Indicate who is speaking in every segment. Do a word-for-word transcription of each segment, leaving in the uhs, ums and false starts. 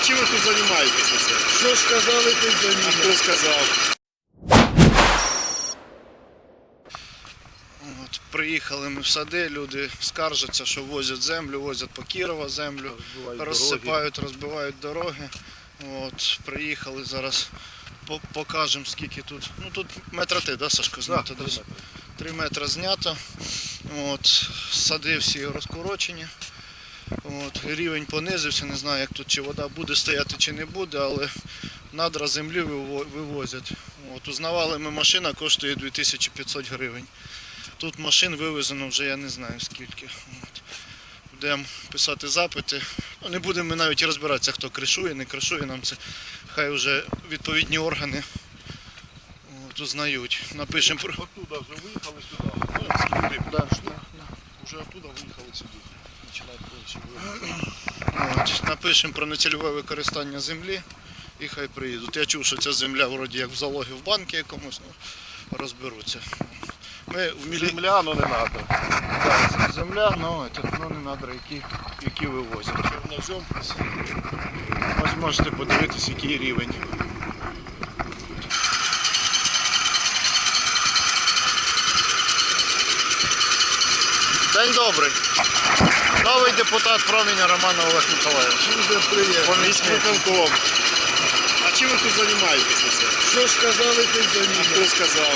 Speaker 1: чим ви тут займаєтеся це?
Speaker 2: Що сказали, ти за
Speaker 1: А хто сказав?
Speaker 3: От, приїхали ми в сади, люди скаржаться, що возять землю, возять по Кірова землю,
Speaker 2: Розбивають
Speaker 3: розсипають, розбивають дороги. От, приїхали зараз, по- покажемо скільки тут. Ну тут метра ти, да, Сашко, знято?
Speaker 2: три
Speaker 3: десь?
Speaker 2: метри.
Speaker 3: Три метри знято. От, сади всі розкорочені. От, рівень понизився, не знаю, як тут чи вода буде стояти, чи не буде, але надра землі виво- вивозять. От, узнавали ми, машина коштує дві тисячі п'ятсот гривень. Тут машин вивезено вже я не знаю скільки. От. Будемо писати запити. Ну, не будемо ми навіть розбиратися, хто кришує, не кришує нам це. Хай вже відповідні органи от, узнають. Напишемо про...
Speaker 1: Оттуда вже виїхали сюди. Ну, сюди
Speaker 3: Да,
Speaker 1: пішли.
Speaker 3: да.
Speaker 1: Вже оттуда виїхали сюди. Починають повністю виїхати.
Speaker 3: От, напишемо про нецільове використання землі і хай приїдуть. Я чув, що ця земля вроді як в залогі в банку якомусь, ну, розберуться. Ми в мілі...
Speaker 1: Земля, ну не треба.
Speaker 3: Да, земля, ну, это, ну не надра, які, які вивозять.
Speaker 1: Ножом.
Speaker 3: Ось можете подивитись, який рівень. День добрий. Новий депутат Проміння Роман Олег Миколаївич.
Speaker 2: Дуже приємно.
Speaker 3: Помічник.
Speaker 1: Виконком. А чим ви тут займаєтеся це?
Speaker 2: Що сказали, ти за
Speaker 1: А хто сказав?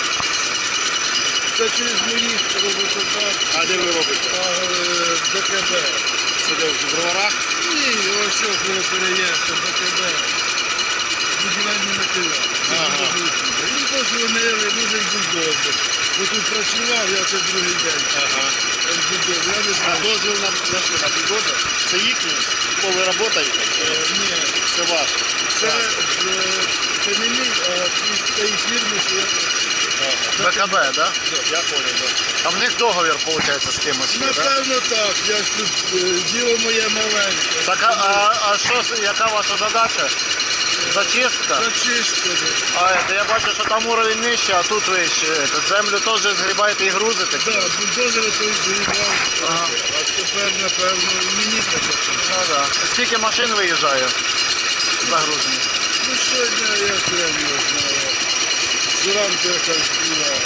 Speaker 2: Це через моїх роботодавців.
Speaker 1: А де ви робите?
Speaker 2: ДКБ.
Speaker 1: Це де в броварах?
Speaker 2: Ні, ось що коли переїхав, ДКБ. Будівельні матеріали.
Speaker 1: Ага.
Speaker 2: Він позвонили, дуже бульдозер. Бо тут працював, я це другий день.
Speaker 1: Ага.
Speaker 2: Бульдозер, я не
Speaker 1: А
Speaker 2: знаю.
Speaker 1: дозвіл на, на що, на бульдозер? Це їхній? Бо ви працюєте?
Speaker 2: Е, Ні,
Speaker 1: Це ваш.
Speaker 2: це, е, це не мій, а із тієї фірми, що я працюю.
Speaker 1: Ага.
Speaker 3: БКБ, да?
Speaker 1: Я понял, да.
Speaker 3: А в них договір, виходить, з кимось є, да?
Speaker 2: Напевно так, я ж тут е, діло моє маленьке.
Speaker 3: Так, а, а, а що, з- яка ваша задача? Зачистка?
Speaker 2: Зачистили.
Speaker 3: А, это, я бачу, що там уровень нижче, а тут вище. Это, землю теж згрібаєте і грузите?
Speaker 2: Так, бульдозери той згрібав,
Speaker 3: Ага.
Speaker 2: а тепер, напевно, і мені таке.
Speaker 3: Ну, да. Скільки машин виїжджає загружені?
Speaker 2: Ну, сьогодні я прям не знаю. Зранку якась була.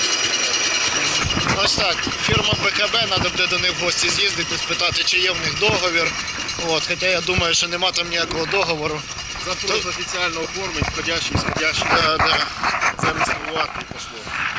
Speaker 3: Ось так, фірма БКБ, треба буде до них в гості з'їздити, спитати, чи є в них договір. От, хоча я думаю, що нема там ніякого договору.
Speaker 1: Запрос офіційно оформить, входящий, сходящий.
Speaker 3: Да, да.
Speaker 1: Зареєструвати і пошло.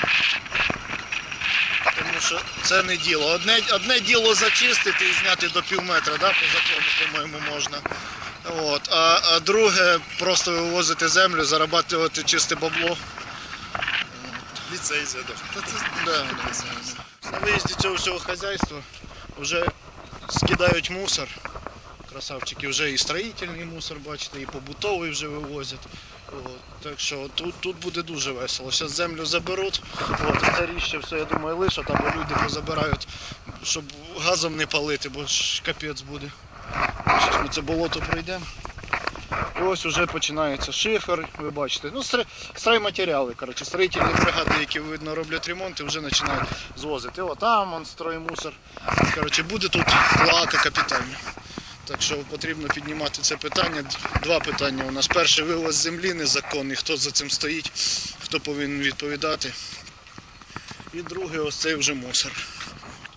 Speaker 3: Тому що це не діло. Одне, одне діло зачистити і зняти до пів метра, да, по закону, по-моєму, можна. От. А, а друге просто вивозити землю, зарабатувати чисте бабло.
Speaker 1: Ліцензія даже. Та це
Speaker 3: Да, да, да. На виїзді цього всього хазяйства вже скидають мусор. Красавчики, вже і строїтельний мусор, бачите, і побутовий вже вивозять. От. Так що тут, тут буде дуже весело. Зараз землю заберуть, от, і це ріще все, я думаю, лишать, або люди позабирають, щоб газом не палити, бо ж капець буде. Зараз ми це болото пройдемо. І ось вже починається шифер, ви бачите. Ну, стр- стройматеріали, коротше, строїтельні бригади, які, видно, роблять ремонти, вже починають звозити. О, там он строймусор. Коротше, буде тут плата капітальна. Так що потрібно піднімати це питання. Два питання у нас. Перше, вивоз землі незаконний, хто за цим стоїть, хто повинен відповідати. І друге, ось цей вже мусор.